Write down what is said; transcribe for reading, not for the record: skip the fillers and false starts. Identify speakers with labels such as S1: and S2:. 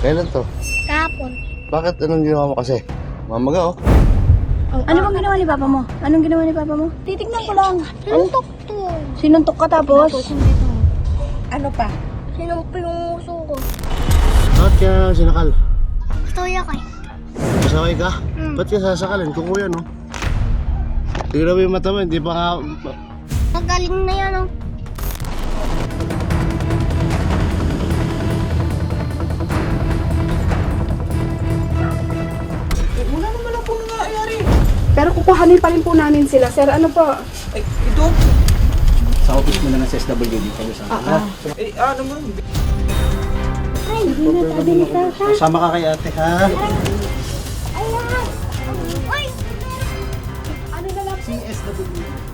S1: Kailan to?
S2: Kahapon.
S1: Bakit anong ginawa mo kasi? Mamaga oh.
S3: Ano bang ginawa ni Papa mo? Anong ginawa ni Papa mo? Titignan ko lang.
S2: Sinuntok to.
S3: Sinuntok ka tapos?
S4: Ano pa?
S2: Sinumpo yung uso ko.
S1: Bakit ka sinakal?
S2: Gusto ko kay.
S1: Masaway ka? Ba't ka sasakalin? Kung kuya no? Tignan mo yung mata mo, hindi pa nga...
S2: Magaling na yan oh.
S4: Wala naman ang po nangyayari.
S5: Pero kukuhanin pa rin po namin sila. Sir, ano po?
S4: Ay, ito?
S6: Sa office mo na ng SWD kayo sa akin.
S4: Eh, ano mo?
S2: Ay, hindi na tabi ni Tata.
S6: Sama ka kay ate ha.
S2: Ayan. Ay.
S5: Ano na lang?
S6: CSWD.